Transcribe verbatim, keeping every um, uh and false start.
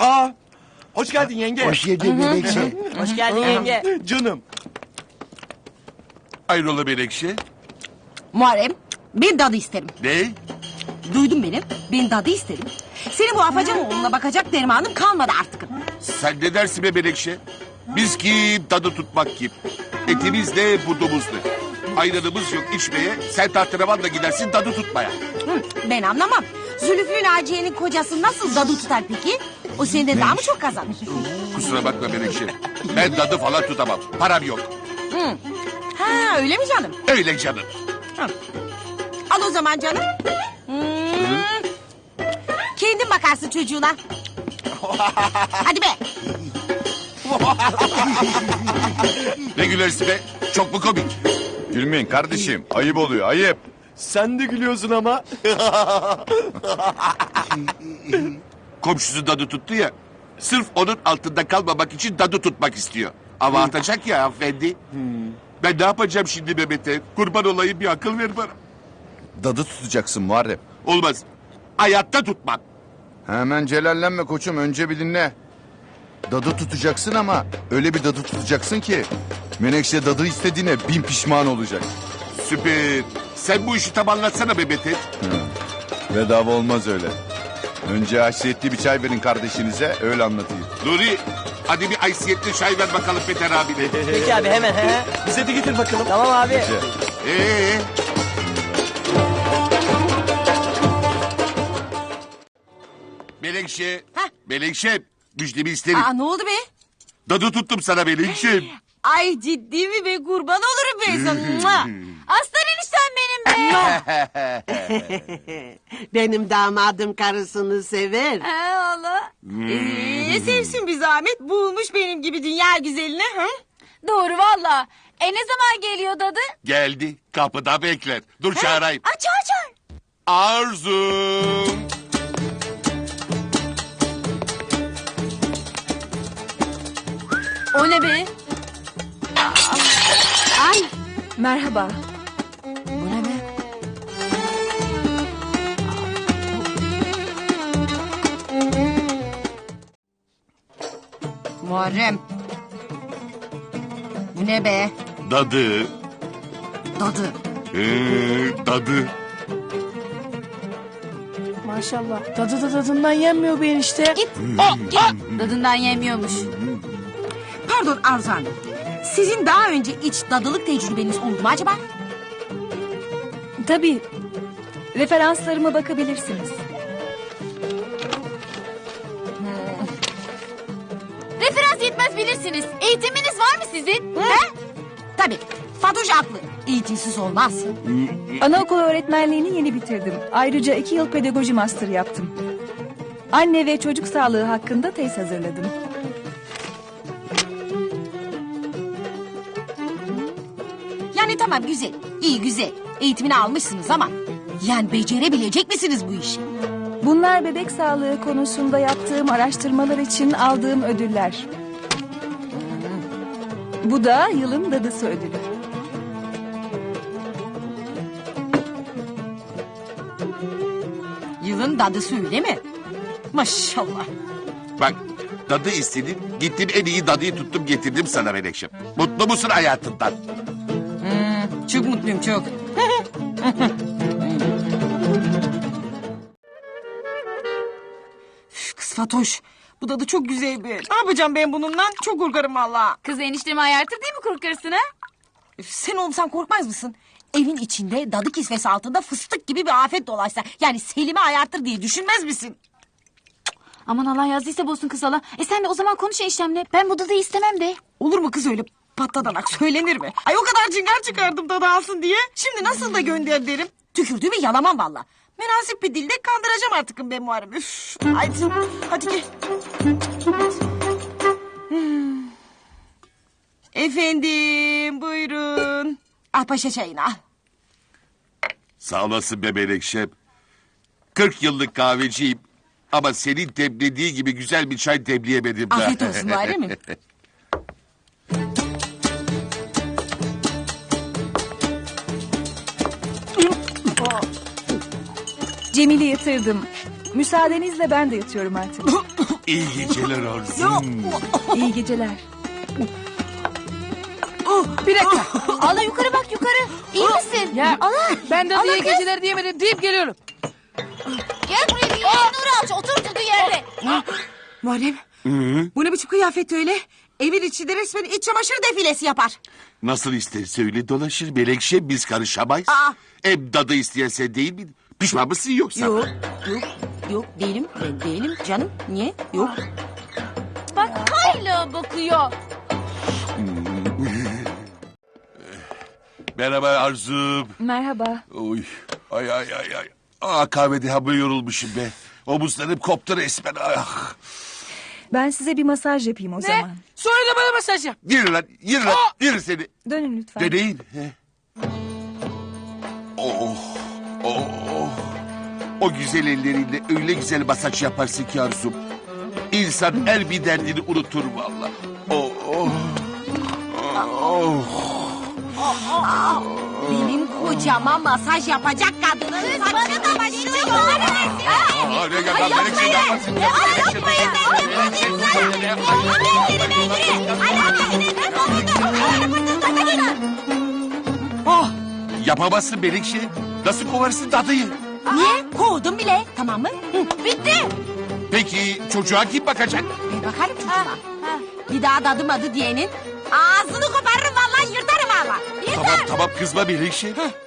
Aa, hoş geldin yenge. Hoş geldin Melekşe. Hoş geldin yenge. Canım. Hayrola Menekşe? Muharrem, ben dadı isterim. Ne? Duydun beni, ben dadı isterim. Senin bu afacan oğluna bakacak dermanım kalmadı artık. Sen ne dersin be Menekşe? Biz kim, tadı tutmak kim? Etimiz ne, budumuz ne? Ayranımız yok içmeye, sen tahterevanla gidersin tadı tutmaya. Hı, ben anlamam. Zülüflü Naciye'nin kocası nasıl dadı tutar peki? O senden daha mı çok kazanır? Kusura bakma Menekşe. Ben tadı falan tutamam, param yok. Hı. Ha öyle mi canım? Öyle canım. Al o zaman canım. Hmm. Kendin bakarsın çocuğuna. Hadi be. Ne gülersin be? Çok mu komik? Gülmeyin kardeşim. Ayıp oluyor, ayıp. Sen de gülüyorsun ama. Komşusu dadı tuttu ya. Sırf onun altında kalmamak için dadı tutmak istiyor. Ama atacak ya hanımefendi. Ben ne yapacağım şimdi Mehmet'e? Kurban olayım, bir akıl ver bana. Dadı tutacaksın Muharrem. Olmaz. Hayatta tutmam. Hemen celallenme koçum, önce bir dinle. Dadı tutacaksın ama öyle bir dadı tutacaksın ki... Menekşe dadı istediğine bin pişman olacak. Süper. Sen bu işi tam anlatsana Mehmet'e. Bedava olmaz öyle. Önce haysiyetli bir çay verin kardeşinize, öyle anlatayım. Nuri, hadi bir haysiyetli çay ver bakalım Peter abine. Peki abi hemen. He. Bize de getir bakalım. Tamam abi. Gece. Ee, Melekşe, Hah. Melekşe, müjdemi isterim. Aa ne oldu be? Dadı tuttum sana Melekşe. Ay ciddi mi be, kurban olurum ben sana. Mua. Aslan eniştem benim be. Benim damadım karısını sever. He valla. Ee, sevsin bir zahmet, bulmuş benim gibi dünya güzelini. Hı? Doğru valla. E ne zaman geliyor dadı? Geldi, kapıda bekler. Dur çağırayım. Aç aç aç. Arzu. O ne be? Ay Merhaba. bu ne be? Muharrem. Bu ne be? Dadı. Dadı. Ee, dadı. Maşallah. Dadı da dadından yenmiyor bu enişte. Git. O, git. Dadından yemiyormuş. Pardon Arzu Hanım. Sizin daha önce hiç dadılık tecrübeniz oldu mu acaba? Tabii. Referanslarıma bakabilirsiniz. Referans yetmez bilirsiniz. Eğitiminiz var mı sizin? He? Tabii. Fatoş haklı. Eğitimsiz olmaz. Anaokulu öğretmenliğini yeni bitirdim. Ayrıca iki yıl pedagoji master yaptım. Anne ve çocuk sağlığı hakkında tez hazırladım. Yani tamam güzel. İyi güzel. Eğitimini almışsınız ama... Yani becerebilecek misiniz bu işi? Bunlar bebek sağlığı konusunda yaptığım araştırmalar için aldığım ödüller. Bu da yılın dadısı ödülü. Yılın dadısı öyle mi? Maşallah. Bak, dadı istedim, gittim en iyi dadıyı tuttum getirdim sana Menekşe. Mutlu musun hayatından? Çok mutluyum çok. Üf, Kız Fatoş. Bu dadı çok güzel bir. Ne yapacağım ben bununla? Çok korkarım valla. Kız eniştemi ayartır değil mi korkarsın ha? Üf, Sen olsan korkmaz mısın? Evin içinde dadı kisvesi altında fıstık gibi bir afet dolaşsa... Yani Selim'i ayartır diye düşünmez misin? Aman Allah yazdıysa bozsun kız Allah. E sen de o zaman konuş eniştemle. Ben bu dadıyı istemem de. Olur mu kız öyle patladanak, söylenir mi? Ay o kadar cingar çıkardım dadı alsın diye. Şimdi nasıl da gönder derim. Tükürdüğümü yalamam valla. Münasip bir dilde kandıracağım artık ben Muharrem. Üf. Haydi, hadi gel. Hmm. Efendim buyurun. Al paşa çayını al. Sağ olasın be Menekşe. Kırk yıllık kahveciyim. Ama senin demlediği gibi güzel bir çay demleyemedim daha. Afiyet olsun bari mi? Cemil'i yatırdım. Müsaadenizle ben de yatıyorum artık. İyi geceler Arzum. İyi geceler. Bir dakika. Allah yukarı bak yukarı. İyi misin? Ya Allah. ben dadıya Allah iyi kız. geceler diyemedim deyip geliyorum. Gel buraya bir yerin Nuri Alçı. Otur oturduğu yerde. Muharrem. Bu ne biçim kıyafet öyle? Evin içinde resmen iç çamaşır defilesi yapar. Nasıl isterse öyle dolaşır Melekşe, biz karışamayız. Aa. Hem dadı isteyen sen değil mi? Pişman mısın yoksa? Yok, yok, yok değilim. Ben değilim canım. Niye? Yok. Bak hala bakıyor. Merhaba Arzum. Merhaba. Oy. Ay ay ay ay. Aa, kahvede hamle yorulmuşum be. Omuzlarım koptu resmen. Ah. Ben size bir masaj yapayım o Ne? zaman. Sonra da bana mesaj yap. Yürü lan, yürü lan, yürü seni. Dönün lütfen. Deneyin. He. Oh, oh, oh. O güzel elleriyle öyle güzel masaj yaparsın ki Arzum. İnsan her bir derdini unutur valla. Oh, oh. Oh, oh. Benim kocama masaj yapacak kadının saçını da başını Aa, ne kadar Melekşe ne yaparsın? Oh, Yapamazsın Melekşe. Nasıl kovarsın dadıyı? niye? Kovdum bile. Tamam mı? Hı, bitti. Peki çocuğa kim bakacak? Ben bakarım çocuğuma. Bir daha dadım adı diyenin ağzını koparırım vallahi yırtarım valla. Tamam tamam kızma Melekşe.